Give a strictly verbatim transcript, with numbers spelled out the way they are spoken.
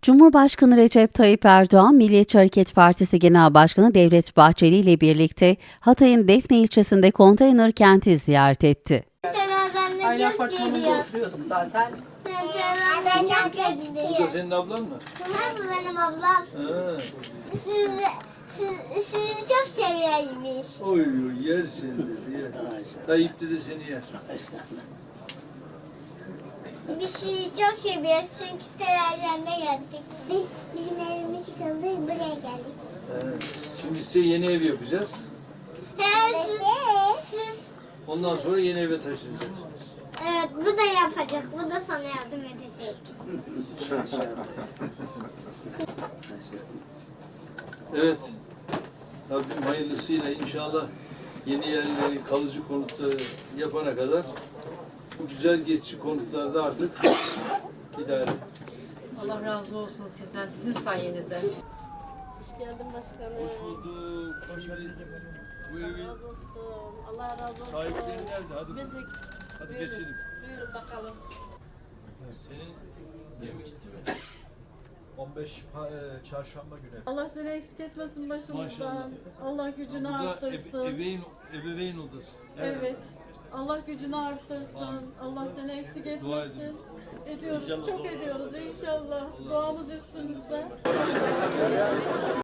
Cumhurbaşkanı Recep Tayyip Erdoğan, Milliyetçi Hareket Partisi Genel Başkanı Devlet Bahçeli ile birlikte Hatay'ın Defne ilçesinde konteyner kenti ziyaret etti. Aynı apartmanda oturuyorduk zaten. Ben çok kötüyüm. Bu da senin ablan mı? Bunlar mı benim ablam? Ha. Siz, siz, sizi çok seviyormuş. Oy oy yer seni dedi yer. Tayyip de seni yer. Biz sizi çok seviyoruz çünkü terörlerine geldik. Biz bizim evimiz yıkıldı, buraya geldik. Evet. Şimdi size yeni ev yapacağız. He, siz, siz, Ondan sonra yeni eve taşınacaksınız. evet bu da yapacak, bu da sana yardım edecek. Evet. Rabbim hayırlısıyla inşallah yeni yerleri kalıcı konutları yapana kadar bu güzel geçici konutlarda artık idare. Allah razı olsun sizden, sizin sayenizde. Hoş geldin başkanım. Hoş bulduk. Şimdi bu evin Allah razı olsun. Allah razı olsun. sahipleri nerede? Hadi, Bizi hadi buyurun, geçelim. buyurun bakalım. Senin gemi gitti mi? on beş pa- e, çarşamba günü. Allah seni eksik etmesin başımızdan. Maşallah. Allah gücünü Bu da arttırsın. ebe- ebeveyn, ebeveyn odası. Evet. Allah gücünü arttırsın. Allah seni eksik Dua etmesin. edin. Ediyoruz, çok ediyoruz inşallah. Duamız üstünüzde.